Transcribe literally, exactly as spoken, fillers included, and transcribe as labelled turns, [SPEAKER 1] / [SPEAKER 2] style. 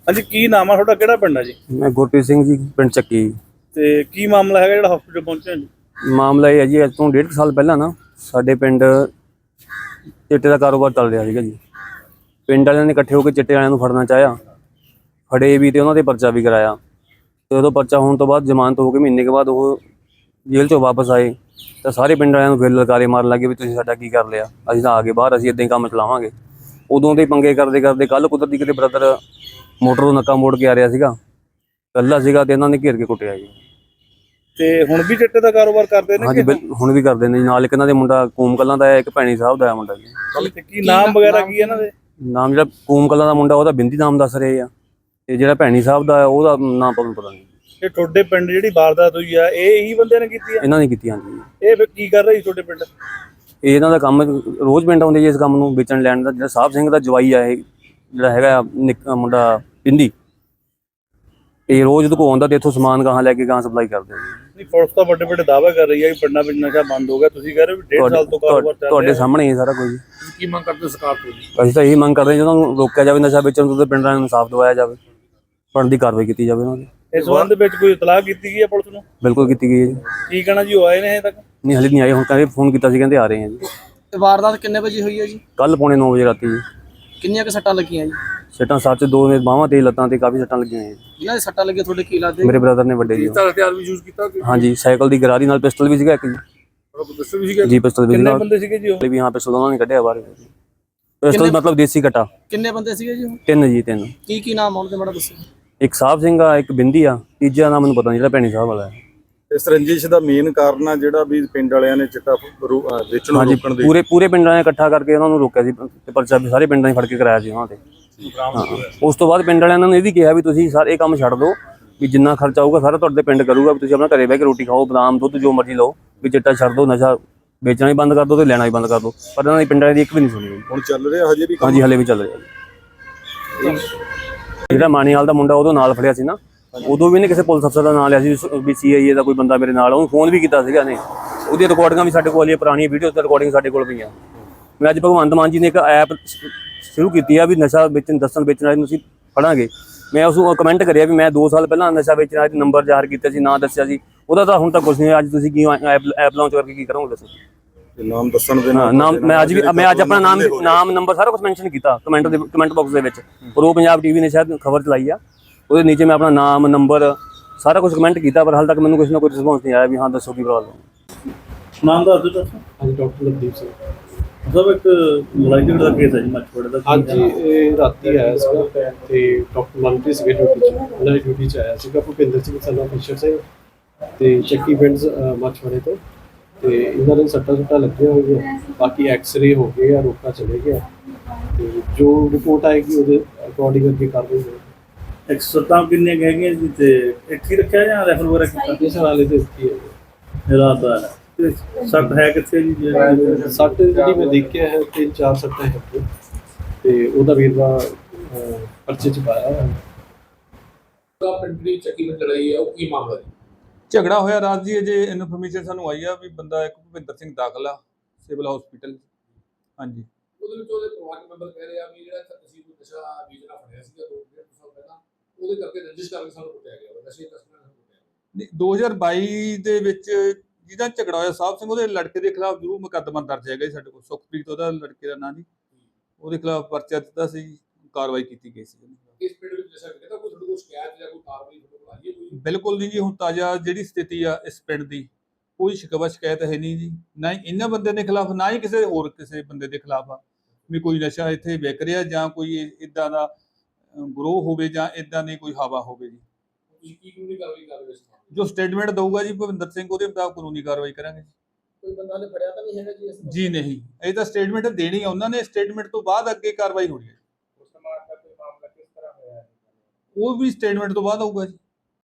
[SPEAKER 1] ਹਾਂਜੀ, ਕੀ ਨਾਮ ਆ ਤੁਹਾਡਾ, ਕਿਹੜਾ ਪਿੰਡ ਆ ਜੀ?
[SPEAKER 2] मैं गुरप्रीत सिंह जी पिंड ਚੱਕੀ।
[SPEAKER 1] ਤੇ ਕੀ ਮਾਮਲਾ ਹੈਗਾ ਜਿਹੜਾ ਹਸਪੀਟਲ ਪਹੁੰਚਿਆ ਜੀ?
[SPEAKER 2] ਮਾਮਲਾ ਇਹ ਹੈ ਜੀ, ਅੱਜ ਤੋਂ ਡੇਢ ਕੁ ਸਾਲ ਪਹਿਲਾਂ ਨਾ ਸਾਡੇ ਪਿੰਡ ਚਿੱਟੇ ਦਾ ਕਾਰੋਬਾਰ ਚੱਲ ਰਿਹਾ ਸੀਗਾ ਜੀ। ਪਿੰਡ ਵਾਲਿਆਂ ਨੇ ਇਕੱਠੇ ਹੋ ਕੇ ਚਿੱਟੇ ਵਾਲਿਆਂ ਨੂੰ ਫੜਨਾ ਚਾਹਿਆ, ਫੜੇ ਵੀ ਤੇ ਉਹਨਾਂ ਦੇ ਪਰਚਾ ਵੀ ਕਰਾਇਆ। ਤੇ ਉਦੋਂ ਪਰਚਾ ਹੋਣ ਤੋਂ ਬਾਅਦ ਜ਼ਮਾਨਤ ਹੋ ਕੇ ਮਹੀਨੇ ਕੇ ਬਾਅਦ ਉਹ ਜੇਲ੍ਹ ਚੋਂ ਵਾਪਸ ਆਏ ਤਾਂ ਸਾਰੇ ਪਿੰਡ ਵਾਲਿਆਂ ਨੂੰ ਫਿਰ ਲਲਕਾਰੇ ਮਾਰਨ ਲੱਗੇ ਵੀ ਤੁਸੀਂ ਸਾਡਾ ਕੀ ਕਰ ਲਿਆ, ਅਸੀਂ ਤਾਂ ਆ ਗਏ ਬਾਹਰ, ਅਸੀਂ ਇੱਦਾਂ ਹੀ ਕੰਮ ਚਲਾਵਾਂਗੇ। ਉਦੋਂ ਦੇ ਪੰਗੇ ਕਰਦੇ ਕਰਦੇ ਕੱਲ੍ਹ ਕੁਦਰਤੀ ਕਿਤੇ ਬ੍ਰਦਰ ਮੋਟਰ ਤੋਂ ਨੱਕਾ ਮੋੜ ਕੇ ਆ ਰਿਹਾ ਸੀਗਾ, ਇਕੱਲਾ ਸੀਗਾ ਤੇ ਇਹਨਾਂ ਨੇ ਘੇਰ ਕੇ ਕੁੱਟਿਆ ਜੀ।
[SPEAKER 1] ਤੇ ਹੁਣ ਵੀ ਚਿੱਟੇ ਦਾ ਕਾਰੋਬਾਰ ਕਰਦੇ ਨੇ?
[SPEAKER 2] ਹਾਂਜੀ, ਹੁਣ ਵੀ ਕਰਦੇ ਨੇ। ਨਾਲ ਇੱਕ ਇਹਨਾਂ ਦੇ ਮੁੰਡਾ ਕੂਮ ਕਲਾਂ ਦਾ ਹੈ, ਇੱਕ ਭੈਣੀ ਸਾਹਿਬ ਦਾ ਹੈ ਮੁੰਡਾ ਜੀ।
[SPEAKER 1] ਤੇ ਕੀ ਨਾਮ ਵਗੈਰਾ ਕੀ ਇਹਨਾਂ ਦੇ?
[SPEAKER 2] ਨਾਮ ਜਿਹੜਾ ਕੂਮ ਕਲਾਂ ਦਾ ਮੁੰਡਾ ਉਹਦਾ ਬਿੰਦੀ ਨਾਮ ਦੱਸ ਰਹੇ ਆ, ਤੇ ਜਿਹੜਾ ਭੈਣੀ ਸਾਹਿਬ ਦਾ ਉਹਦਾ ਨਾਮ ਤੁਹਾਨੂੰ ਪਤਾ ਨਹੀਂ।
[SPEAKER 1] ਇਹ ਤੁਹਾਡੇ ਪਿੰਡ ਜਿਹੜੀ ਵਾਰਦਾਤ ਹੋਈ ਆ, ਇਹ ਇਹੀ ਬੰਦਿਆਂ ਨੇ ਕੀਤੀ ਆ?
[SPEAKER 2] ਇਹਨਾਂ ਨੇ ਕੀਤੀ। ਹਾਂਜੀ।
[SPEAKER 1] ਇਹ ਫਿਰ ਕੀ ਕਰ ਰਹੀ ਤੁਹਾਡੇ ਪਿੰਡ?
[SPEAKER 2] ਇਹ ਇਹਨਾਂ ਦਾ ਕੰਮ ਰੋਜ਼ ਪਿੰਡ ਆਉਂਦੇ ਜੀ ਇਸ ਕੰਮ ਨੂੰ ਵੇਚਣ ਲੈਣ ਦਾ। ਜਿਹੜਾ ਸਾਹਿਬ ਸਿੰਘ ਦਾ ਜਵਾਈ ਆ, ਇਹ ਜਿਹੜਾ ਹੈਗਾ ਨਿੱਕਾ ਮੁੰਡਾ ਬਿੰਦੀ, ਇਹ ਰੋਜ਼ ਉਹਦੇ ਕੋਲ ਆਉਂਦਾ ਤੇ ਇੱਥੋਂ ਸਮਾਨ ਗਾਹਾਂ ਲੈ ਕੇ ਗਾਹਾਂ ਸਪਲਾਈ ਕਰਦੇ ਜੀ।
[SPEAKER 1] ਨਹੀਂ, ਪੁਲਿਸ ਤਾਂ ਵੱਡੇ ਵੱਡੇ ਦਾਅਵੇ ਕਰ ਰਹੀ ਹੈ ਕਿ ਪਿੰਡਾਂ ਵਿੱਚ ਨਸ਼ਾ ਬੰਦ ਹੋ ਗਿਆ, ਤੁਸੀਂ ਕਹਿ ਰਹੇ ਹੋ ਵੀ ਡੇਢ ਸਾਲ ਤੋਂ ਕਾਰੋਬਾਰ ਚੱਲ ਰਿਹਾ।
[SPEAKER 2] ਤੁਹਾਡੇ ਸਾਹਮਣੇ ਹੀ ਸਾਰਾ ਕੁਝ।
[SPEAKER 1] ਤੁਸੀਂ ਕੀ ਮੰਗ ਕਰਦੇ ਸਰਕਾਰ ਤੋਂ?
[SPEAKER 2] ਅਸੀਂ ਤਾਂ ਇਹੀ ਮੰਗ ਕਰਦੇ ਹਾਂ, ਜਦੋਂ ਰੋਕਿਆ ਜਾਵੇ ਨਸ਼ਾ ਵੇਚਣ ਤੋਂ, ਤੇ ਪਿੰਡਾਂ ਨੂੰ ਇਨਸਾਫ ਦਿਵਾਇਆ ਜਾਵੇ, ਬਣਦੀ ਕਾਰਵਾਈ ਕੀਤੀ ਜਾਵੇ ਉਹਨਾਂ ਦੀ।
[SPEAKER 1] ਇਸ ਸੰਬੰਧ ਵਿੱਚ ਕੋਈ ਇਤਲਾਹ ਕੀਤੀ ਗਈ ਹੈ ਪੁਲਿਸ ਨੂੰ?
[SPEAKER 2] ਬਿਲਕੁਲ ਕੀਤੀ ਗਈ ਹੈ ਜੀ।
[SPEAKER 1] ਕੀ ਕਹਿਣਾ ਜੀ, ਉਹ ਆਏ ਨੇ ਹਜੇ ਤੱਕ?
[SPEAKER 2] ਨਹੀਂ, ਹਲੇ ਨਹੀਂ ਆਏ। ਹੁਣ ਕਹਿੰਦੇ ਫੋਨ ਕੀਤਾ ਸੀ, ਕਹਿੰਦੇ ਆ ਰਹੇ ਆ ਜੀ।
[SPEAKER 3] ਤੇ ਵਾਰਦਾਤ ਕਿੰਨੇ ਵਜੇ ਹੋਈ ਹੈ ਜੀ?
[SPEAKER 2] ਕੱਲ ਪੌਣੇ ਨੌ ਵਜੇ ਰਾਤੀ ਜੀ।
[SPEAKER 3] ਕਿੰਨੀਆਂ ਕੁ ਸੱਟਾਂ ਲੱਗੀਆਂ ਜੀ?
[SPEAKER 2] ਸੱਟਾਂ ਸੱਚ ਦੋ ਨੇ, ਬਾਹਾਂ ਤੇ ਲੱਤਾਂ ਤੇ ਕਾਫੀ ਸੱਟਾਂ ਲੱਗੀਆਂ ਜੀ।
[SPEAKER 3] ਜਿਨ੍ਹਾਂ ਦੇ ਸੱਟਾਂ ਲੱਗੀਆਂ ਤੁਹਾਡੇ ਕੀ ਲੱਗਦੇ?
[SPEAKER 2] ਮੇਰੇ ਬ੍ਰਦਰ ਨੇ ਵੱਡੇ ਜੀ।
[SPEAKER 1] ਹਥਿਆਰ ਵੀ ਯੂਜ਼ ਕੀਤਾ?
[SPEAKER 2] ਹਾਂਜੀ, ਸਾਈਕਲ ਦੀ ਗਰਾਰੀ ਨਾਲ ਪਿਸਟਲ ਵੀ ਸੀਗਾ ਇੱਕ ਜੀ।
[SPEAKER 1] ਪਿਸਟਲ ਵੀ ਸੀਗਾ ਜੀ?
[SPEAKER 2] ਪਿਸਟਲ ਵੀ
[SPEAKER 1] ਕਿੰਨੇ
[SPEAKER 2] ਸੀਗਾ।
[SPEAKER 1] ਬੰਦੇ ਸੀਗੇ ਜੀ ਉਹ?
[SPEAKER 2] ਵੀ ਹਾਂ, ਪਿਸਟਲ ਉਹਨਾਂ ਨੇ ਕੱਢਿਆ ਬਾਹਰ। ਪਿਸਟਲ ਮਤਲਬ ਦੇਸੀ ਕਟਾ।
[SPEAKER 3] ਕਿੰਨੇ ਬੰਦੇ ਸੀਗੇ ਜੀ ਉਹ?
[SPEAKER 2] ਤਿੰਨ ਜੀ, ਤਿੰਨ।
[SPEAKER 3] ਕੀ ਕੀ ਨਾਮ ਆਉਣ ਤੇ ਮਾੜਾ ਦੱਸੋ।
[SPEAKER 2] ਇੱਕ ਸਾਹਿਬ ਸਿੰਘ ਆ, ਇੱਕ ਬਿੰਦੀ ਆ, ਤੀਜਾ ਨਾਮ ਮੈਨੂੰ ਪਤਾ ਨਹੀਂ, ਜਿਹੜਾ ਭੈਣੀ ਸਾਹਿਬ ਵਾਲਾ ਹੈ।
[SPEAKER 4] ਇਸ ਰੰਜਿਸ਼ ਦਾ ਮੇਨ ਕਾਰਨ ਆ ਜਿਹੜਾ ਵੀ ਪਿੰਡ ਵਾਲਿਆਂ ਨੇ ਚਿੱਟਾ ਵੇਚਣ ਨੂੰ ਰੋਕਣ ਦੇ
[SPEAKER 2] ਪੂਰੇ ਪੂਰੇ ਪਿੰਡਾਂ ਨੇ ਇਕੱਠਾ ਕਰਕੇ ਉਹਨਾਂ ਨੂੰ ਰੋਕਿਆ ਸੀ ਤੇ ਪਰਚਾ ਵੀ ਸਾਰੇ ਪਿੰਡਾਂ 'ਚ ਫੜ ਕੇ ਕਰਾਇਆ ਸੀ ਉਹਨਾਂ ਤੇ। ਉਸ ਤੋਂ ਬਾਅਦ ਪਿੰਡ ਵਾਲਿਆਂ ਨੇ ਇਹ ਵੀ ਕਿਹਾ ਵੀ ਤੁਸੀਂ ਸਾਰੇ ਕੰਮ ਛੱਡ ਦਿਓ, ਵੀ ਜਿੰਨਾ ਖਰਚਾ ਆਊਗਾ ਸਾਰਾ ਤੁਹਾਡੇ ਪਿੰਡ ਕਰੂਗਾ, ਵੀ ਤੁਸੀਂ ਆਪਣਾ ਘਰੇ ਬਹਿ ਕੇ ਰੋਟੀ ਖਾਓ, ਬਦਾਮ ਦੁੱਧ ਜੋ ਮਰਜ਼ੀ ਲਓ, ਵੀ ਚਿੱਟਾ ਛੱਡ ਦਿਓ, ਨਸ਼ਾ ਵੇਚਣਾ ਵੀ ਬੰਦ ਕਰ ਦਿਓ ਤੇ ਲੈਣਾ ਵੀ ਬੰਦ ਕਰ ਦਿਓ। ਪਰ ਇਹਨਾਂ ਦੀ ਪਿੰਡ ਵਾਲਿਆਂ ਦੀ ਇੱਕ ਵੀ ਨਹੀਂ ਸੁਣੀ।
[SPEAKER 4] ਹੁਣ ਚੱਲ ਰਿਹਾ ਹਜੇ ਵੀ?
[SPEAKER 2] ਹਾਂਜੀ, ਹਲੇ ਵੀ ਚੱਲ ਰਿਹਾ। ਜਿਹੜਾ ਮਾਣੀਵਾਲ ਦਾ ਮੁੰਡਾ ਉਦੋਂ ਨਾਲ ਫੜਿਆ ਸੀ ਨਾ, ਉਦੋਂ ਵੀ ਇਹਨੇ ਕਿਸੇ ਪੁਲਿਸ ਅਫਸਰ ਦਾ ਨਾਂ ਲਿਆ ਸੀ ਵੀ ਸੀ ਆਈ ਏ ਦਾ ਕੋਈ ਬੰਦਾ ਮੇਰੇ ਨਾਲ, ਉਹਨੂੰ ਫੋਨ ਵੀ ਕੀਤਾ ਸੀਗਾ ਇਹਨੇ। ਉਹਦੀਆਂ ਰਿਕਾਰਡਿੰਗਾਂ ਵੀ ਸਾਡੇ ਕੋਲ ਆਈਆਂ, ਪੁਰਾਣੀਆਂ ਵੀਡੀਓ ਤੇ ਰਿਕਾਰਡਿੰਗ ਸਾਡੇ ਕੋਲ ਪਈਆਂ। ਮੈਂ ਅੱਜ ਭਗਵੰਤ ਮਾਨ ਜੀ ਨੇ ਇੱਕ ਐਪ ਸ਼ੁਰੂ ਕੀਤੀ ਆ ਵੀ ਨਸ਼ਾ ਵੇਚਣ ਦੱਸਣ ਵੇਚਣ ਵਾਲੇ ਨੂੰ ਅਸੀਂ ਫੜਾਂਗੇ। ਮੈਂ ਉਸ ਨੂੰ ਕਮੈਂਟ ਕਰਿਆ ਵੀ ਮੈਂ ਦੋ ਸਾਲ ਪਹਿਲਾਂ ਨਸ਼ਾ ਵੇਚਣ ਵਾਲੇ ਨੰਬਰ ਜ਼ਾਹਰ ਕੀਤਾ ਸੀ, ਨਾਂ ਦੱਸਿਆ ਸੀ, ਉਹਦਾ ਤਾਂ ਹੁਣ ਤੱਕ ਕੁਛ ਨਹੀਂ। ਅੱਜ ਤੁਸੀਂ ਕੀ ਐਪ ਐਪ ਲਾਂਚ ਕਰਕੇ ਕੀ ਕਰੋਗੇ ਦੱਸੋ?
[SPEAKER 4] ਨਾਮ ਦੱਸਣ ਦੇ
[SPEAKER 2] ਨਾਲ ਨਾਮ ਮੈਂ ਅੱਜ ਵੀ ਮੈਂ ਅੱਜ ਆਪਣਾ ਨਾਮ ਨਾਮ ਨੰਬਰ ਸਾਰਾ ਕੁਝ ਮੈਂਸ਼ਨ ਕੀਤਾ ਕਮੈਂਟ ਦੇ ਕਮੈਂਟ ਬਾਕਸ ਦੇ ਵਿੱਚ। ਪ੍ਰੋ ਪੰਜਾਬ ਟੀਵੀ ਨੇ ਸ਼ਾਇਦ ਖਬਰ ਚਲਾਈ ਆ, ਉਹਦੇ ਨੀਚੇ ਮੈਂ ਆਪਣਾ ਨਾਮ ਨੰਬਰ ਸਾਰਾ ਕੁਝ ਕਮੈਂਟ ਕੀਤਾ, ਪਰ ਹਾਲੇ ਤੱਕ ਮੈਨੂੰ ਕਿਸੇ ਨਾ ਕੋਈ ਰਿਸਪੌਂਸ ਨਹੀਂ ਆਇਆ ਵੀ ਹਾਂ ਦੱਸੋ ਕੀ ਪ੍ਰੋਬਲਮ।
[SPEAKER 1] ਨਾਮ ਦੱਸ ਦਿਓ।
[SPEAKER 5] ਹਾਂਜੀ, ਡਾਕਟਰ ਲਵਦੀਪ ਸਿੰਘ
[SPEAKER 1] ਸਭ। ਇੱਕ ਲੜਾਈ ਝਗੜਾ ਦਾ ਕੇਸ ਹੈ ਜੀ ਮੱਛਵਾੜੇ ਦਾ।
[SPEAKER 5] ਹਾਂਜੀ, ਇਹ ਰਾਤੀ ਆਇਆ ਸੀਗਾ ਤੇ ਡਾਕਟਰ ਮਨਪ੍ਰੀਤ ਸੀਗੇ ਡਿਊਟੀ 'ਚ, ਉਹਨਾਂ ਦੀ ਡਿਊਟੀ 'ਚ ਆਇਆ ਸੀਗਾ ਭੁਪਿੰਦਰ ਸਿੰਘ ਸਨਾ ਫਿਸ਼ਰ ਸਿੰਘ ਤੇ ਚੱਕੀ ਪਿੰਡ ਮੱਛਵਾੜੇ ਤੋਂ। ਤੇ ਇਹਨਾਂ ਦੇ ਸੱਟਾਂ ਸੁੱਟਾਂ ਲੱਗੀਆਂ ਹੋਈਆਂ, ਬਾਕੀ ਐਕਸ-ਰੇ ਹੋ ਗਏ ਆ, ਰੋਕਾ ਚਲੇ ਗਿਆ ਤੇ ਜੋ ਰਿਪੋਰਟ ਆਏਗੀ ਉਹਦੇ ਅਕੋਰਡਿੰਗ ਅੱਗੇ ਕਾਰਵਾਈ ਹੋਵੇਗੀ।
[SPEAKER 1] ਇੱਕ ਸੱਤਾਂ ਕਿੰਨੇ ਕੁ ਹੈਗੀਆਂ ਜੀ? ਤੇ ਇੱਕ ਹੀ ਰੱਖਿਆ ਜਾਂ ਰੈਫਰ ਵਗੈਰਾ ਕੀਤਾ?
[SPEAKER 5] ਇਸ ਹਾਲੇ ਤੇ ਕੀ ਹੈ
[SPEAKER 1] ਰਾਤ ਆ ਤੇ ਸੱਟ ਹੈ ਕਿੱਥੇ ਜੀ?
[SPEAKER 5] ਸੱਟ ਜਿਹੜੀ ਮੈਂ ਦੇਖਿਆ ਹੈ ਤਿੰਨ ਚਾਰ ਸੱਟਾਂ ਹੈ ਤੇ ਉਹਦਾ ਵੇਰਵਾ ਪਰਚੇ 'ਚ ਪਾਇਆ ਹੋਇਆ।
[SPEAKER 6] ਪਿੰਡ ਦੀ ਚੱਕੀ ਵਿੱਚ ਲੜਾਈ ਹੈ, ਉਹ ਕੀ ਮਾਮਲਾ ਜੀ?
[SPEAKER 7] ਝਗੜਾ ਹੋਇਆ ਰਾਤ ਜੀ। ਅਜੇ ਇਨਫੋਰਮੇਸ਼ਨ ਸਾਨੂੰ ਆਈ ਆ ਵੀ ਬੰਦਾ ਇੱਕ ਭੁਪਿੰਦਰ ਸਿੰਘ ਦਾਖਲ ਆ ਸਿਵਲ ਹਸਪੀਟਲ। ਹਾਂਜੀ,
[SPEAKER 6] ਉਹਦੇ ਵਿੱਚ ਉਹਦੇ ਪਰਿਵਾਰਕ ਮੈਂਬਰ ਕਹਿ ਰਹੇ ਆ ਵੀ ਜਿਹੜਾ ਅਸੀਂ ਕੋਈ ਨਸ਼ਾ ਵੇਚਣਾ ਫੜਿਆ ਸੀਗਾ ਦੋ ਡੇਢ ਸਾਲ ਪਹਿਲਾਂ, ਉਹਦੇ ਕਰਕੇ ਰੰਜਿਸ਼ ਕਰਕੇ ਸਾਨੂੰ ਕੁੱਟਿਆ ਗਿਆ, ਨਸ਼ੇ ਤਸਕਰਾਂ ਨੂੰ ਕੁੱਟਿਆ ਗਿਆ।
[SPEAKER 7] ਦੋ ਹਜ਼ਾਰ ਬਾਈ ਦੇ ਵਿੱਚ ਜਿਹਦਾ ਝਗੜਾ ਹੋਇਆ ਸਾਹਿਬ ਸਿੰਘ, ਉਹਦੇ ਲੜਕੇ ਦੇ ਖਿਲਾਫ ਜ਼ਰੂਰ ਮੁਕੱਦਮਾ ਦਰਜ ਹੈਗਾ ਜੀ ਸਾਡੇ ਕੋਲ। ਸੁਖਪ੍ਰੀਤ ਉਹਦਾ ਲੜਕੇ ਦਾ ਨਾਂ ਜੀ, ਉਹਦੇ ਖਿਲਾਫ ਪਰਚਾ ਦਿੱਤਾ ਸੀ, ਕਾਰਵਾਈ ਕੀਤੀ ਗਈ ਸੀ।
[SPEAKER 6] ਇਸ ਪਿੰਡ ਵਿੱਚ ਨਸ਼ਾ ਵਿਕਦਾ, ਕੋਈ ਤੁਹਾਡੇ ਕੋਲ ਸ਼ਿਕਾਇਤ ਜਾਂ ਕੋਈ ਕਾਰਵਾਈ ਤੁਹਾਡੇ ਕੋਲ ਆਈ ਹੈ ਕੋਈ?
[SPEAKER 7] ਬਿਲਕੁਲ ਨਹੀਂ ਜੀ, ਹੁਣ ਤਾਜ਼ਾ ਜਿਹੜੀ ਸਥਿਤੀ ਆ ਇਸ ਪਿੰਡ ਦੀ, ਕੋਈ ਸ਼ਿਕਵਾ ਸ਼ਿਕਾਇਤ ਹੈ ਨਹੀਂ ਜੀ, ਨਾ ਹੀ ਇਹਨਾਂ ਬੰਦੇ ਦੇ ਖਿਲਾਫ, ਨਾ ਹੀ ਕਿਸੇ ਹੋਰ ਕਿਸੇ ਬੰਦੇ ਦੇ ਖਿਲਾਫ ਆ ਵੀ ਕੋਈ ਨਸ਼ਾ ਇੱਥੇ ਵਿਕ ਰਿਹਾ ਜਾਂ ਕੋਈ ਇੱਦਾਂ ਦਾ ਗਰੋਹ ਹੋਵੇ ਜਾਂ ਇੱਦਾਂ ਦੀ ਕੋਈ ਹਵਾ ਹੋਵੇ ਜੀ।
[SPEAKER 6] ਤੁਸੀਂ ਕੀ ਕਾਨੂੰਨੀ ਕਾਰਵਾਈ ਕਰ ਰਹੇ ਹੋ?
[SPEAKER 7] ਜੋ ਸਟੇਟਮੈਂਟ ਦਊਗਾ ਜੀ ਭੁਪਿੰਦਰ ਸਿੰਘ, ਉਹਦੇ ਮੁਤਾਬਕ ਕਾਨੂੰਨੀ ਕਾਰਵਾਈ ਕਰਾਂਗੇ।
[SPEAKER 3] ਕੋਈ ਬੰਦਾ ਨੇ ਫੜਿਆ ਤਾਂ ਨਹੀਂ ਹੈਗਾ ਜੀ ਇਸ ਨੂੰ?
[SPEAKER 7] ਜੀ ਨਹੀਂ, ਇਹ ਤਾਂ ਸਟੇਟਮੈਂਟ ਦੇਣੀ ਆ ਉਹਨਾਂ ਨੇ, ਸਟੇਟਮੈਂਟ ਤੋਂ ਬਾਅਦ ਅੱਗੇ ਕਾਰਵਾਈ ਹੋਣੀ ਹੈ।
[SPEAKER 3] ਉਸ ਮਾਮਲਾ ਕਿਸ ਤਰ੍ਹਾਂ ਹੋਇਆ ਹੈ?
[SPEAKER 7] ਉਹ ਵੀ ਸਟੇਟਮੈਂਟ ਤੋਂ ਬਾਅਦ ਆਊਗਾ ਜੀ।